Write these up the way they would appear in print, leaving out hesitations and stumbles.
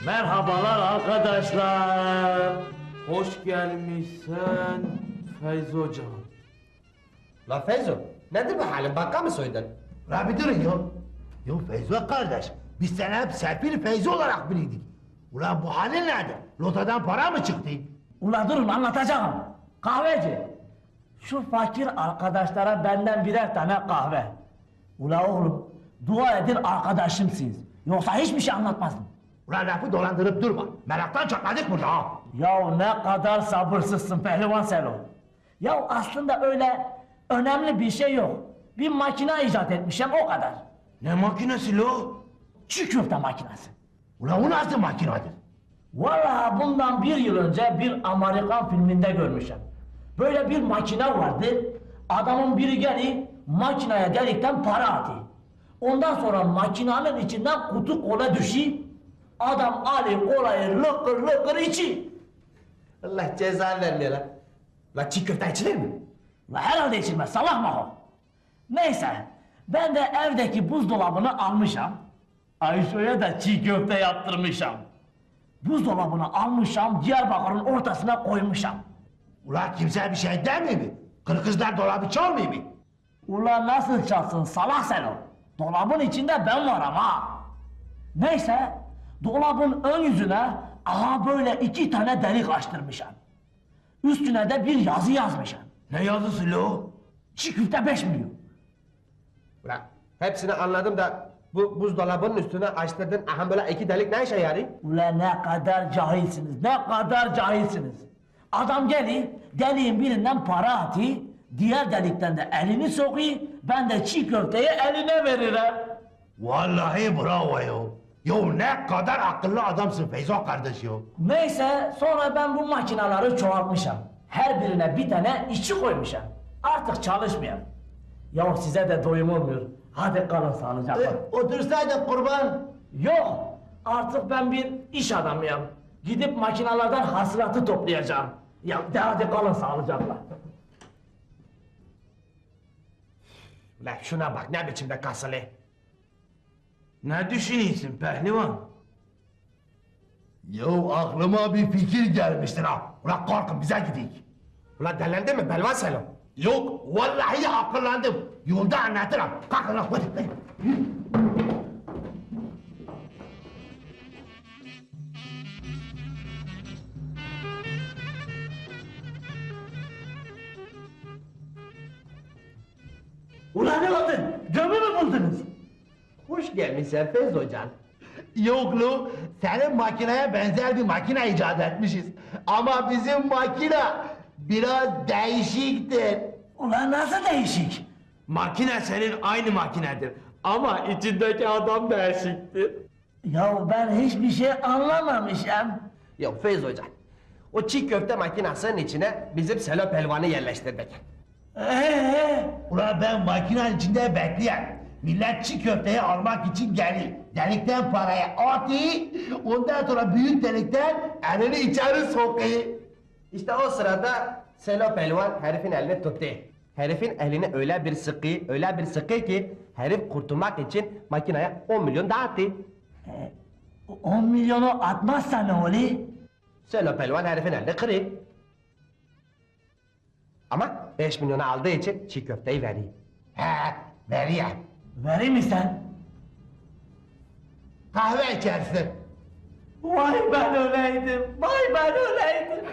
Merhabalar arkadaşlar. Hoş gelmişsin Feyzo hocam. La Feyzo, nedir bu halin? Bakka mı soydun? La bir durun ya. Ya Feyzo kardeş, biz seni hep Serpil Feyzo olarak bilirdik. Ulan bu halin nerede? Lotadan para mı çıktı? Ula durun anlatacağım. Kahveci. Şu fakir arkadaşlara benden birer tane kahve. Ula oğlum, dua edin arkadaşımsınız. Yoksa hiçbir şey anlatmazdım. Ulan lafı dolandırıp durma. Meraktan çatladık burada ha. Ya ne kadar sabırsızsın pehlivan Selo. Ya aslında öyle önemli bir şey yok. Bir makine icat etmişim o kadar. Ne makinesi lo? Çiğ köfte makinesi. Ulan o nasıl makinedir? Vallahi bundan 1 yıl önce bir Amerikan filminde görmüşüm. Böyle bir makine vardı. Adamın biri gelip makineye delikten para atıyor. Ondan sonra makinenin içinden kutu kola düşüyor. Adam alıyor kolayı lıkır lıkır içiyor. Allah ceza vermiyor lan. La çiğ köfte içilir mi? La herhalde içilmez salak mı o? Neyse ben de evdeki buzdolabını almışam. Ayşe'ye de çiğ köfte yaptırmışam. Buzdolabını almışam Diyarbakır'ın ortasına koymuşam. Ulan kimse bir şey demiyor mi? Kırkızlar dolabı çalmıyor mu? Ulan nasıl çalsın salak sen o? Dolabın içinde ben varım ha. Neyse dolabın ön yüzüne aha böyle 2 tane delik açtırmışam. Üstüne de bir yazı yazmışam. Ne yazısı lo? Çiğ köfte 5 milyon. Ulan hepsini anladım da bu buzdolabının üstüne açtırdın. Aha böyle 2 delik ne işe yarıyor? Ulan ne kadar cahilsiniz, ne kadar cahilsiniz. Adam geliyor, deliğin birinden para atıyor, diğer delikten de elini sokuyor, ben de çiğ köfteyi eline veririm. Vallahi bravo yo. Yo ne kadar akıllı adamsın Feyzo kardeş yo. Neyse, sonra ben bu makinaları çoğaltmışım. Her birine bir tane işçi koymuşum. Artık çalışmıyor. Ya size de doyum olmuyor. Hadi kalın sağlıcakla. Otursaydın kurban. Yok, artık ben bir iş adamıyım. Gidip makinalardan hasılatı toplayacağım. Ya de hadi kalın sağlıcakla. Ulan şuna bak ne biçimde kasılı. Ne düşünüyorsun pehlivan? Yo aklıma bir fikir gelmiştir ha. Ulan kalkın bize gidelim. Ulan delendin mi Belvan Selam? Yok vallahi akıllandım. Yolda anlatırım. Kalkın lan hadi. Ulan ne oldu? Gömü mü buldunuz? Hoş gelmişsin Feyzo Hocam. Yok lo, senin makineye benzer bir makine icat etmişiz. Ama bizim makine biraz değişiktir. Ulan nasıl değişik? Makine senin aynı makinedir. Ama içindeki adam değişiktir. Ya ben hiçbir şey anlamamışım. Yok Feyzo Hocam. O çiğ köfte makinesinin içine bizim Selo Pelvan'ı yerleştirdik. Ulan ben makinenin içinde bekleyen. Millet çiğ köfteyi almak için gelir. Delikten parayı atıyor, ondan sonra büyük delikten elini içeri sokuyor. İşte o sırada Selo Pelvan herifin elini tuttu. Herifin elini öyle bir sıkı ki herif kurtulmak için makineye 10 milyon dağıttı. 10 milyonu atmazsa ne olur? Selo Pelvan herifin elini kırıyor. Ama 5 milyonu aldığı için çiğ köfteyi veriyor. He, veriyor. Verir misin? Kahve içersin. Vay ben öleydim, vay ben öleydim.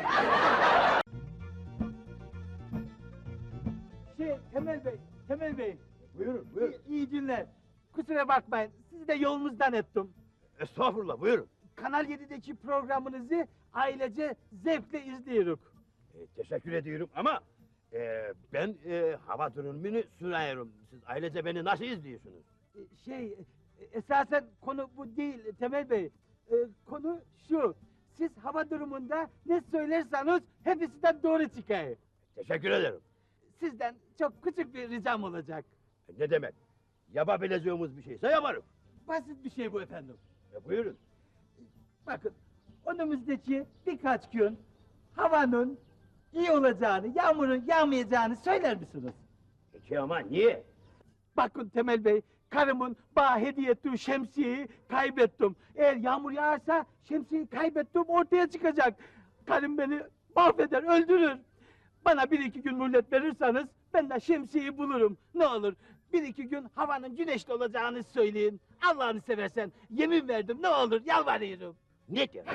Temel Bey. Buyurun, buyurun. İyi günler. Kusura bakmayın, sizi de yolunuzdan ettim. Estağfurullah, buyurun. Kanal 7'deki programınızı ailece zevkle izliyoruz. Teşekkür ediyorum ama ben hava durumunu sunuyorum. Siz ailece beni nasıl izliyorsunuz? Esasen konu bu değil Temel Bey. Konu şu, siz hava durumunda ne söylerseniz hepsinden doğru çıkar. Teşekkür ederim. Sizden çok küçük bir ricam olacak. Ne demek? Yapabileceğimiz bir şeyse yaparım. Basit bir şey bu efendim. Buyurun. Bakın, önümüzdeki birkaç gün havanın iyi olacağını, yağmurun yağmayacağını söyler misiniz? Peki ama niye? Bakın Temel Bey, karımın bana hediye ettiği şemsiyeyi kaybettim. Eğer yağmur yağarsa şemsiyeyi kaybettim ortaya çıkacak. Karım beni mahveder, öldürür. Bana bir iki gün mühlet verirseniz ben de şemsiyeyi bulurum. Ne olur bir iki gün havanın güneşli olacağını söyleyin. Allah'ını seversen yemin verdim ne olur yalvarıyorum. Ne diyor?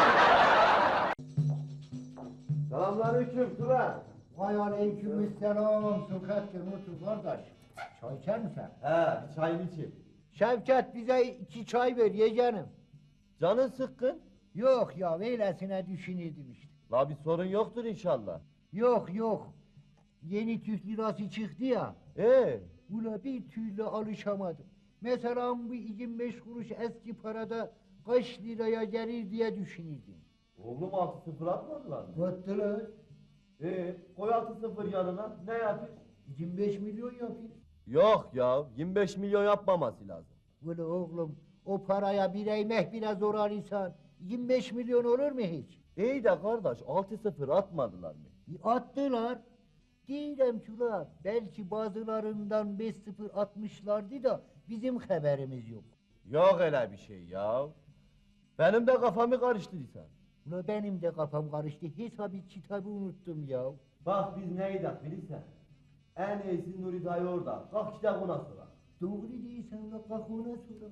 Selamünaleyküm Turan. Vay aleykümselam Sokrat'cığım otur kardeş. Çay içer misin? He, bir çayını içeyim. Şevket bize 2 çay ver yeğenim. Canın sıkkın. Yok ya öylesine düşünürdüm işte. La bir sorun yoktur inşallah. Yok yok. Yeni Türk lirası çıktı ya. Ula bir türlü alışamadım. Mesela bu 25 kuruş eski parada kaç liraya gelir diye düşünürdüm. Oğlum 6-0 atmadılar mı? Battılar. Koy 6-0 yanına, ne yapayım? 25 milyon yapayım. Yok ya, 25 milyon yapmaması lazım. Ula oğlum o paraya bir ekmek bile zor insan. 25 milyon olur mu hiç? İyi de kardeş, 6-0 atmadılar mı? Attılar. Diyelim ki ula belki bazılarından 5-0 atmışlardı da bizim haberimiz yok. Yok öyle bir şey ya. Benim de kafamı karıştırdıysan. Ula benim de kafam karıştı. Hesabı kitabı unuttum ya. Bak biz neydik bilirsen. En iyisi Nuri dayı orada. Kalk işte ona sonra. Doğru değilsen ula kalk ona sonra.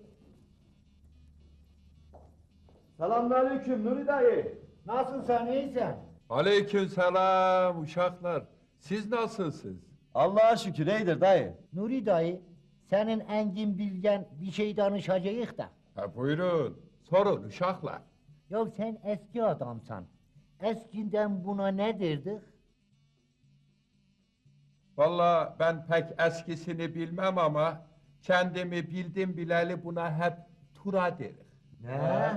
Selamünaleyküm Nuri dayı. Nasılsın iyisin? Aleykümselam uşaklar. Siz nasılsınız? Allah'a şükür iyidir dayı. Nuri dayı senin engin bilgen bir şey danışacağız da. Ha, buyurun. Sorun uşaklar. Ya sen eski adamsan. Eskiden buna ne derdik? Vallahi ben pek eskisini bilmem ama kendimi bildim bileli buna hep tura derim. Ne?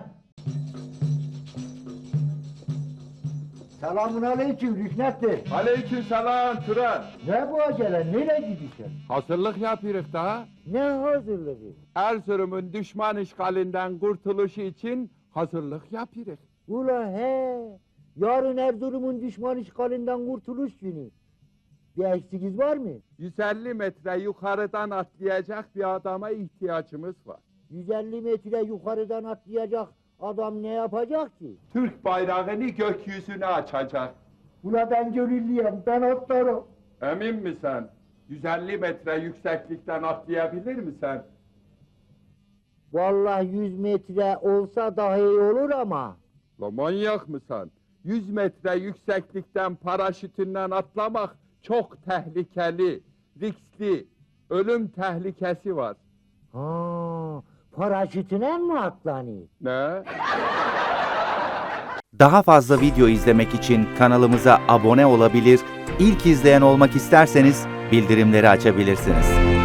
Selamun aleyküm Rüknettin. Aleykümselam Turan. Ne bu acele? Nereye gidiyorsun? Hazırlık yapıyoruz daha. Ne hazırlığı? Erzurum'un düşman işgalinden kurtuluşu için hazırlık yapıyoruz. Ula he. Yarın Erzurum'un düşman işgalinden kurtuluş günü. Bir eksiğiniz var mı? 150 metre yukarıdan atlayacak bir adama ihtiyacımız var. 150 metre yukarıdan atlayacak adam ne yapacak ki? Türk bayrağını gökyüzüne açacak. Ula ben gönüllüyüm, ben atlarım. Emin misin? 150 metre yükseklikten atlayabilir misin? Vallahi 100 metre olsa daha iyi olur ama. La manyak mısın? 100 metre yükseklikten paraşütünden atlamak çok tehlikeli, riskli, ölüm tehlikesi var. Ha, paraşütüne mi atlanıyor? Ne? Daha fazla video izlemek için kanalımıza abone olabilir, ilk izleyen olmak isterseniz bildirimleri açabilirsiniz.